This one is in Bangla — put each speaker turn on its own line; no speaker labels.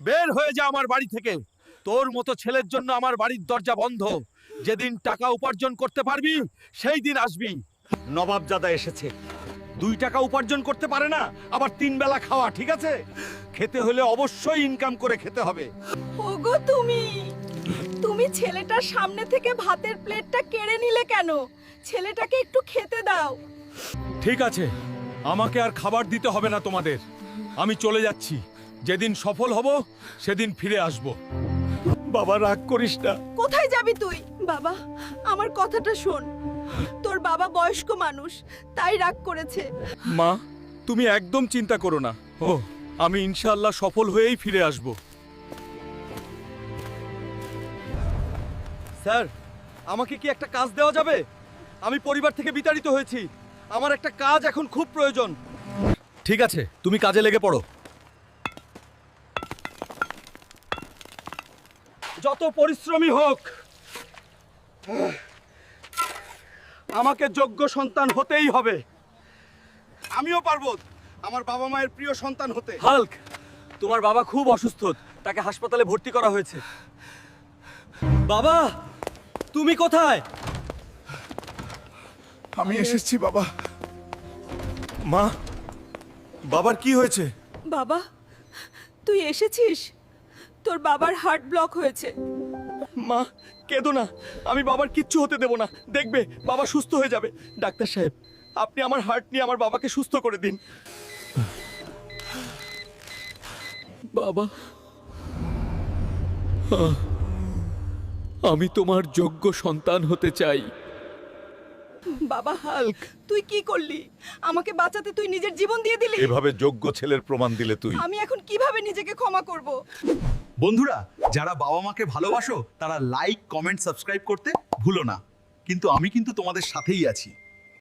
বের হয়ে যা আমার বাড়ি থেকে। তোর মতো ছেলের জন্য আমার বাড়ির দরজা বন্ধ। যেদিন টাকা উপার্জন করতে পারবি সেই দিন আসবি।
নবাবজাদা এসেছে, 2 টাকা উপার্জন করতে পারে না, আবার 3 বেলা খাওয়া, ঠিক আছে? খেতে হলে অবশ্যই ইনকাম করে খেতে হবে।
ওগো তুমি ছেলেটার সামনে থেকে ভাতের প্লেটটা কেড়ে নিলে কেন? ছেলেটাকে একটু খেতে দাও।
ঠিক আছে, আমাকে আর খাবার দিতে হবে না তোমাদের। আমি চলে যাচ্ছি। যেদিন সফল হব সেদিন ফিরে আসব।
বাবা রাগ করিস না।
কোথায় যাবি তুই? বাবা, আমার কথাটা শোন। তোর বাবা বয়স্ক মানুষ, তাই রাগ করেছে।
মা, তুমি একদম চিন্তা করো না। আমি ইনশাআল্লাহ সফল হয়েই ফিরে আসব।
স্যার, আমাকে কি একটা কাজ দেওয়া যাবে? আমি পরিবার থেকে বিতাড়িত হয়েছি, আমার একটা কাজ এখন খুব প্রয়োজন।
ঠিক আছে, তুমি কাজে লেগে পড়ো।
যত পরিশ্রমী হোক, আমাকে যোগ্য সন্তান হতেই হবে। আমিও পারবো আমার বাবা মায়ের প্রিয় সন্তান হতে। হাল্ক, তোমার বাবা খুব অসুস্থ, তাকে হাসপাতালে ভর্তি করা হয়েছে। বাবা, তুমি কোথায়?
আমি এসেছি বাবা।
মা, বাবার কি হয়েছে?
বাবা, তুই এসেছিস? তোর বাবার হার্ট ব্লক হয়েছে।
মা, কেঁদো না, আমি বাবার কিচ্ছু হতে দেব না। দেখবে বাবা সুস্থ হয়ে যাবে। ডাক্তার সাহেব, আপনি আমার হার্ট নিয়ে আমার বাবাকে সুস্থ করে দিন।
বাবা, আমি তোমার যোগ্য সন্তান হতে চাই।
বাবা হাল্ক, তুই কি করলি? আমাকে বাঁচাতে তুই নিজের জীবন দিয়ে দিলি।
এভাবে যোগ্য ছেলের প্রমাণ দিলে তুই।
আমি এখন কিভাবে নিজেকে ক্ষমা করব?
বন্ধুরা, যারা বাবা মাকে ভালোবাসো তারা লাইক, কমেন্ট, সাবস্ক্রাইব করতে ভুলো না। কিন্তু আমি তোমাদের সাথেই আছি।